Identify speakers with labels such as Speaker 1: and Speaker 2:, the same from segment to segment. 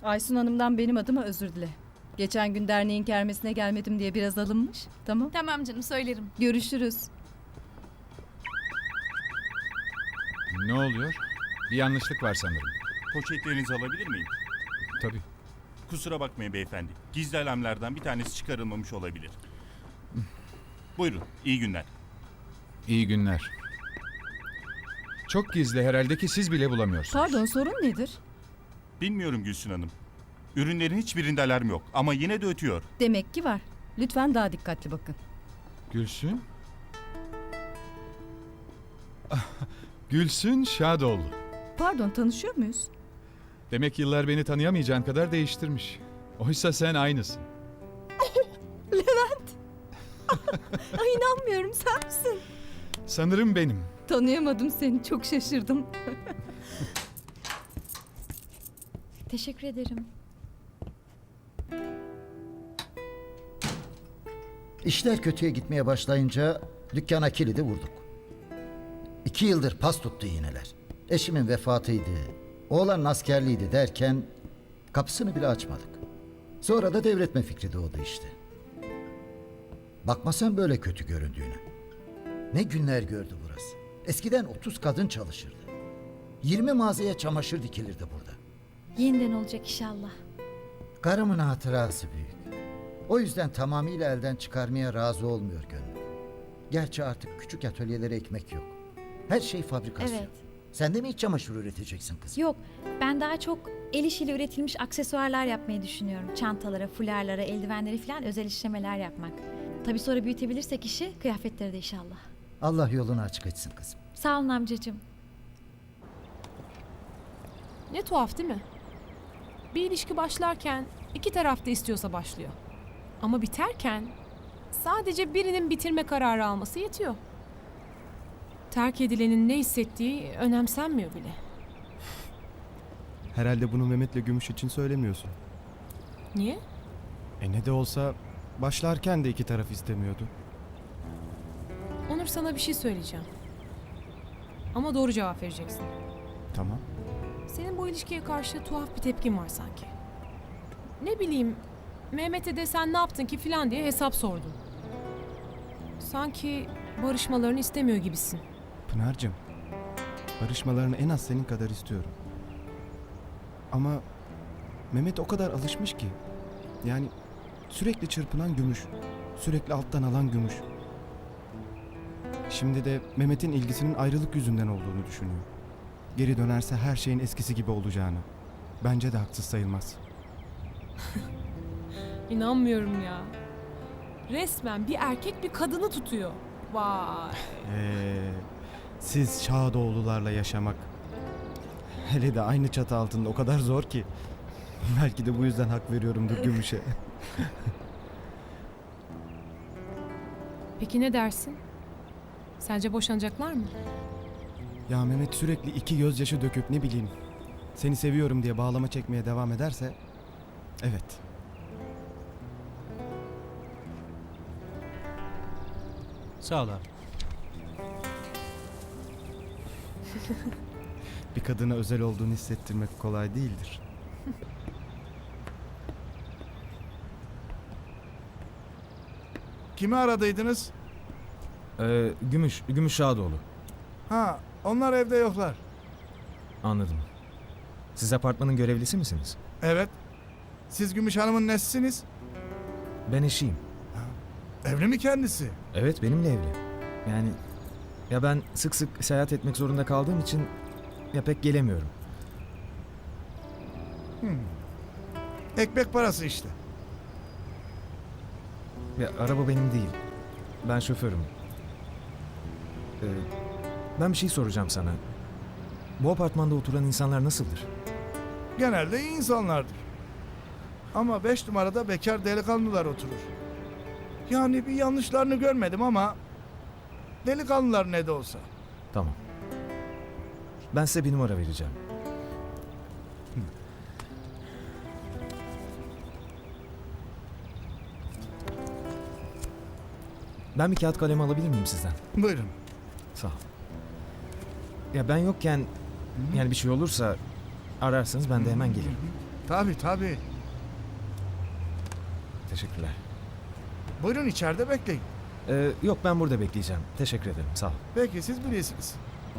Speaker 1: Aysun Hanım'dan benim adıma özür dile. Geçen gün derneğin kermesine gelmedim diye biraz alınmış. Tamam.
Speaker 2: Tamam canım, söylerim.
Speaker 1: Görüşürüz.
Speaker 3: Ne oluyor? Bir yanlışlık var sanırım.
Speaker 4: Poşetlerinizi alabilir miyim?
Speaker 3: Tabii.
Speaker 4: Kusura bakmayın beyefendi. Gizli alarmlardan bir tanesi çıkarılmamış olabilir. Buyurun, iyi günler.
Speaker 3: İyi günler. Çok gizli herhalde ki siz bile bulamıyorsunuz.
Speaker 1: Pardon, sorun nedir?
Speaker 4: Bilmiyorum Gülsün Hanım. Ürünlerin hiçbirinde alarm yok ama yine de ötüyor.
Speaker 1: Demek ki var. Lütfen daha dikkatli bakın.
Speaker 3: Gülsün? Gülsün Şadoğlu.
Speaker 1: Pardon, tanışıyor muyuz?
Speaker 3: Demek yıllar beni tanıyamayacağın kadar değiştirmiş. Oysa sen aynısın.
Speaker 1: Ay inanmıyorum, sen misin?
Speaker 3: Sanırım benim.
Speaker 1: Tanıyamadım seni, çok şaşırdım.
Speaker 2: Teşekkür ederim.
Speaker 5: İşler kötüye gitmeye başlayınca dükkana kilidi vurduk. 2 yıldır pas tuttu iğneler. Eşimin vefatıydı, oğlanın askerliğiydi derken kapısını bile açmadık. Sonra da devretme fikri doğdu işte. Bakma sen böyle kötü göründüğüne. Ne günler gördü burası. Eskiden 30 kadın çalışırdı. 20 mağazaya çamaşır dikilirdi burada.
Speaker 2: Yeniden olacak inşallah.
Speaker 5: Karımın hatırası büyük. O yüzden tamamıyla elden çıkarmaya razı olmuyor gönlüm. Gerçi artık küçük atölyelere ekmek yok. Her şey fabrikasyon.
Speaker 2: Evet.
Speaker 5: Sen de mi iç çamaşır üreteceksin kızım?
Speaker 2: Yok, ben daha çok el işiyle üretilmiş aksesuarlar yapmayı düşünüyorum. Çantalara, fularlara, eldivenlere falan özel işlemeler yapmak. Tabii sonra büyütebilirsek işi, kıyafetleri de inşallah.
Speaker 5: Allah yolunu açık etsin kızım.
Speaker 2: Sağ olun amcacığım.
Speaker 6: Ne tuhaf değil mi? Bir ilişki başlarken iki taraf da istiyorsa başlıyor. Ama biterken sadece birinin bitirme kararı alması yetiyor. Terk edilenin ne hissettiği önemsenmiyor bile.
Speaker 7: Herhalde bunu Mehmet'le Gümüş için söylemiyorsun.
Speaker 6: Niye?
Speaker 7: Ne de olsa başlarken de iki taraf istemiyordu.
Speaker 6: Onur, sana bir şey söyleyeceğim. Ama doğru cevap vereceksin.
Speaker 7: Tamam.
Speaker 6: Senin bu ilişkiye karşı tuhaf bir tepkin var sanki. Ne bileyim, Mehmet'e de sen ne yaptın ki filan diye hesap sordun. Sanki barışmalarını istemiyor gibisin.
Speaker 7: Pınar'cığım, barışmalarını en az senin kadar istiyorum. Ama Mehmet o kadar alışmış ki. Yani sürekli çırpınan Gümüş, sürekli alttan alan Gümüş. Şimdi de Mehmet'in ilgisinin ayrılık yüzünden olduğunu düşünüyor. Geri dönerse her şeyin eskisi gibi olacağını. Bence de haksız sayılmaz.
Speaker 6: İnanmıyorum ya. Resmen bir erkek bir kadını tutuyor. Vay.
Speaker 7: Siz Şadoğlularla yaşamak, hele de aynı çatı altında o kadar zor ki. Belki de bu yüzden hak veriyorumdur Gümüş'e.
Speaker 6: Peki ne dersin? Sence boşanacaklar mı?
Speaker 7: Ya Mehmet sürekli iki gözyaşı döküp ne bileyim seni seviyorum diye bağlama çekmeye devam ederse evet.
Speaker 8: Sağ ol abi.
Speaker 7: Bir kadına özel olduğunu hissettirmek kolay değildir.
Speaker 9: Kimi aradıydınız?
Speaker 8: Gümüş Şadoğlu.
Speaker 9: Ha, onlar evde yoklar.
Speaker 8: Anladım. Siz apartmanın görevlisi misiniz?
Speaker 9: Evet. Siz Gümüş Hanım'ın nesisiniz?
Speaker 8: Ben eşiyim.
Speaker 9: Evli mi kendisi?
Speaker 8: Evet, benimle evli. Yani ya ben sık sık seyahat etmek zorunda kaldığım için ya pek gelemiyorum.
Speaker 9: Ekmek parası işte.
Speaker 8: Ya araba benim değil. Ben şoförüm. Ben bir şey soracağım sana. Bu apartmanda oturan insanlar nasıldır?
Speaker 9: Genelde iyi insanlardır. Ama 5 numarada bekar delikanlılar oturur. Yani bir yanlışlarını görmedim ama delikanlılar ne de olsa.
Speaker 8: Tamam. Ben size bir numara vereceğim. Ben bir kağıt kalem alabilir miyim sizden?
Speaker 9: Buyurun.
Speaker 8: Sağ ol. Ya ben yokken yani bir şey olursa ararsanız ben de hemen gelirim.
Speaker 9: Tabii.
Speaker 8: Teşekkürler.
Speaker 9: Buyurun içeride bekleyin.
Speaker 8: Yok ben burada bekleyeceğim. Teşekkür ederim. Sağ ol.
Speaker 9: Peki siz bilirsiniz.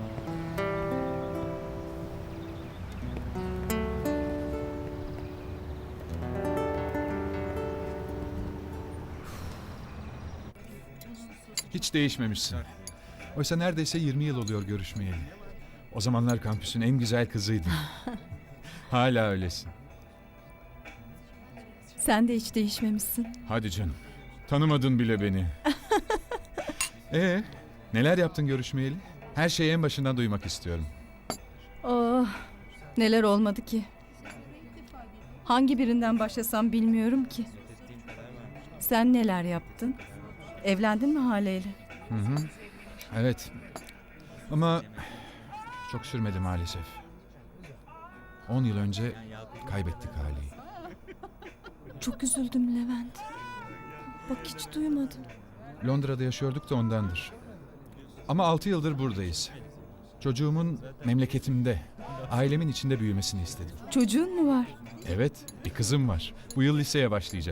Speaker 3: Hiç değişmemişsin. Oysa neredeyse 20 yıl oluyor görüşmeyeli. O zamanlar kampüsün en güzel kızıydın. Hala öylesin.
Speaker 1: Sen de hiç değişmemişsin.
Speaker 3: Hadi canım. Tanımadın bile beni. Neler yaptın görüşmeyeli? Her şeyi en başından duymak istiyorum.
Speaker 1: Oh, neler olmadı ki. Hangi birinden başlasam bilmiyorum ki. Sen neler yaptın? Evlendin mi Hale'yle?
Speaker 3: Evet. Ama çok sürmedi maalesef. 10 yıl önce kaybettik Hale'yi.
Speaker 1: Çok üzüldüm Levent. Bak hiç duymadım.
Speaker 3: Londra'da yaşıyorduk da ondandır. Ama 6 yıldır buradayız. Çocuğumun memleketimde, ailemin içinde büyümesini istedim.
Speaker 1: Çocuğun mu var?
Speaker 3: Evet, bir kızım var. Bu yıl liseye başlayacak.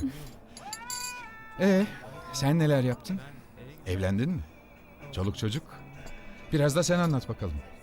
Speaker 3: Sen neler yaptın? Evlendin mi? Çoluk çocuk? Biraz da sen anlat bakalım.